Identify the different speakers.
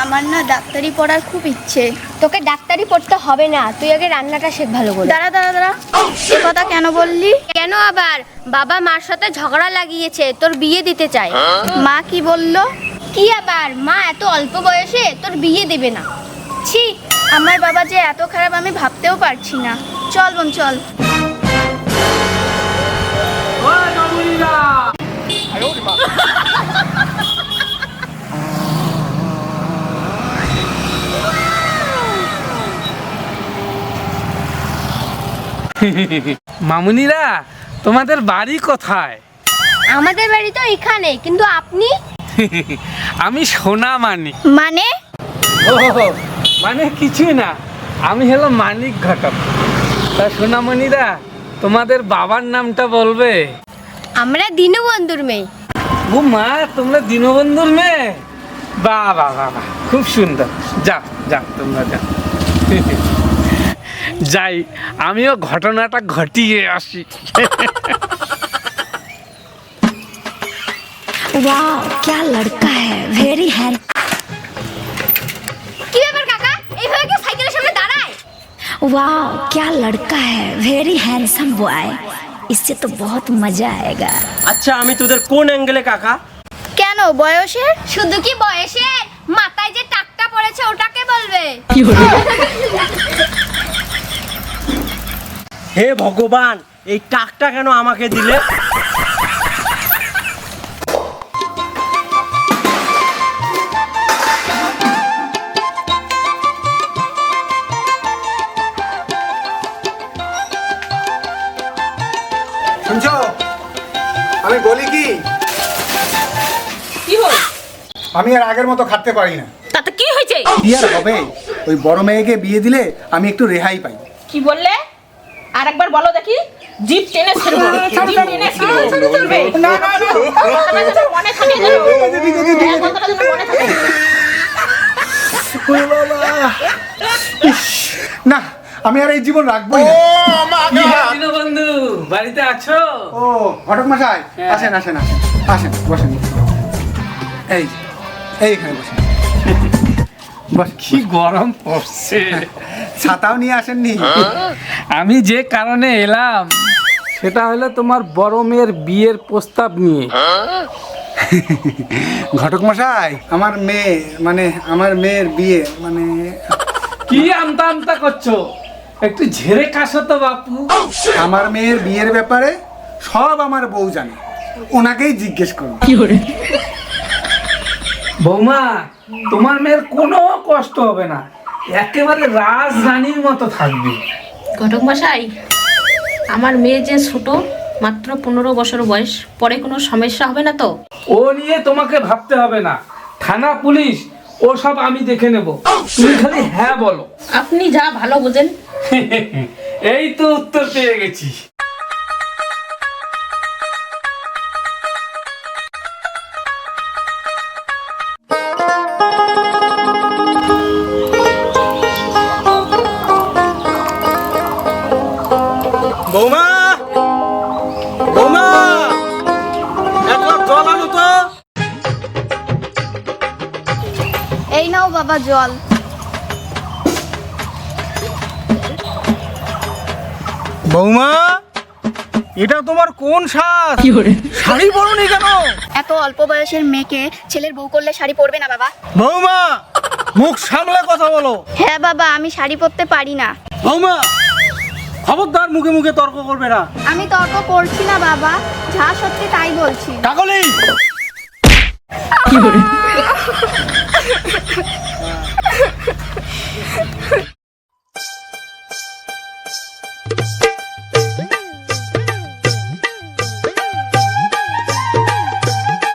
Speaker 1: আমার না ডাক্তারি পড়ার খুব ইচ্ছে।
Speaker 2: তোকে ডাক্তারি পড়তে হবে না, তুই আগে রান্নাটা শেখ ভালো করে।
Speaker 1: দাঁড়া দাঁড়া দাঁড়া, এ কথা কেন বললি?
Speaker 2: কেন আবার? বাবা মার সাথে ঝগড়া লাগিয়েছে, তোর বিয়ে দিতে চায়।
Speaker 1: মা কি বললো?
Speaker 2: কি আবার, মা এত অল্প বয়সে তোর বিয়ে দেবে না।
Speaker 1: ছি, আমার বাবা যে এত খারাপ আমি ভাবতেও পারছি না। চল বোন চল।
Speaker 3: মামুনিরা, তোমাদের বাড়ি কোথায়?
Speaker 2: আমাদের বাড়ি তো এখানে, কিন্তু আপনি?
Speaker 3: আমি সোনা মানিক।
Speaker 1: মানে?
Speaker 3: ও মানে কিছুই না, আমি হলো মানিক ঘটক। তা সোনামণিরা, তোমাদের বাবার নামটা বলবে?
Speaker 2: আমরা দীনবন্ধুর মেয়ে।
Speaker 3: ও মা, তোমরা দীনবন্ধুর মেয়ে? বাহ বাহ বাহ বাহ, খুব সুন্দর। যাও যাও, তোমরা যাও। যাই, আমিও ঘটনাটা ঘটিয়ে আসি।
Speaker 4: वाह क्या लड़का है, वेरी हैंड।
Speaker 2: কি ব্যাপার কাকা, এইভাবে কেউ সাইকেলের সামনে দাঁড়ায়?
Speaker 4: वाह क्या लड़का है, वेरी हैंडसम बॉय। इससे तो बहुत मजा आएगा।
Speaker 5: আচ্ছা, আমি তোদের কোন অ্যাঙ্গেলে কাকা?
Speaker 1: কেন বয়সের?
Speaker 2: শুধু কি বয়সের, মাথায় যে টাকটা পড়েছে ওটাকে বলবে।
Speaker 5: হে ভগবান, এই টাকটা কেন আমাকে দিলে?
Speaker 6: শুনছো, আমি বলি কি,
Speaker 7: কি হল?
Speaker 6: আমি আর আগের মতো খাটতে পারি না।
Speaker 7: তাতে কি হয়েছে?
Speaker 6: কি আর হবে, ওই বড় মেয়েকে বিয়ে দিলে আমি একটু রেহাই পাই।
Speaker 7: কি বললে? আরেকবার বলো দেখি। জিপ টেনে ছেড়ে বলো। জিপ টেনে ছেড়ে চলবে। না না না, মনে থাকে যেন। এই কথাটা যেন মনে থাকে।
Speaker 6: ওরে বাবা, ইস, না আমি আর এই জীবন রাখবোই না।
Speaker 3: কি হে দীনবন্ধু, বাড়িতে আছো?
Speaker 6: ও ঘটক মশাই,
Speaker 3: হ্যাঁ।
Speaker 6: আসেন আসেন আসেন আসেন, বসেন। এই এইখানে বসেন। বস,
Speaker 3: কি গরম পড়ছে।
Speaker 6: ছাতাও নিয়ে আসেননি?
Speaker 3: আমি যে কারণে এলাম সেটা হলো তোমার বড় মেয়ের বিয়ের প্রস্তাব নিয়ে।
Speaker 6: ঘটক মশাই, আমার মেয়ে মানে আমার মেয়ের বিয়ে মানে
Speaker 3: কি আমতা আমতা করছো? একটু ঝেড়ে কাশো তো বাপু।
Speaker 6: আমার মেয়ের বিয়ের ব্যাপারে সব আমার বউ জানে, ওনাকেই জিজ্ঞেস করুন।
Speaker 3: বৌমা, তোমার মেয়ের কোনো কষ্ট হবে না, একেবারে রাজরানীর মতো থাকবে।
Speaker 7: ঘটক মশাই, আমার মেয়ে যে ছোট, মাত্র 15 বছর বয়স, পরে কোনো সমস্যা হবে না তো?
Speaker 3: ও নিয়ে তোমাকে ভাবতে হবে না, থানা পুলিশ ও সব আমি দেখে নেব, তুমি খালি হ্যাঁ বলো।
Speaker 7: আপনি যা ভালো বোঝেন।
Speaker 3: এই তো উত্তর পেয়ে গেছি।
Speaker 5: বৌমা, বৌমা, এক গ্লাস জল আনো তো।
Speaker 1: এই নাও বাবা জল।
Speaker 5: বৌমা, এটা তোমার কোন সাজ? শাড়ি পরোনি কেন?
Speaker 1: এত অল্প বয়সের মেয়েকে ছেলের বউ করলে শাড়ি পরবে না বাবা?
Speaker 5: বৌমা, মুখ সামলে কথা বলো।
Speaker 1: হ্যাঁ বাবা, আমি শাড়ি পরতে পারি না।
Speaker 5: বৌমা, খবরদার মুখে মুখে তর্ক করবে না।
Speaker 1: আমি তর্ক করছি না বাবা, যা সত্যি তাই বলছি।
Speaker 5: কাকলি,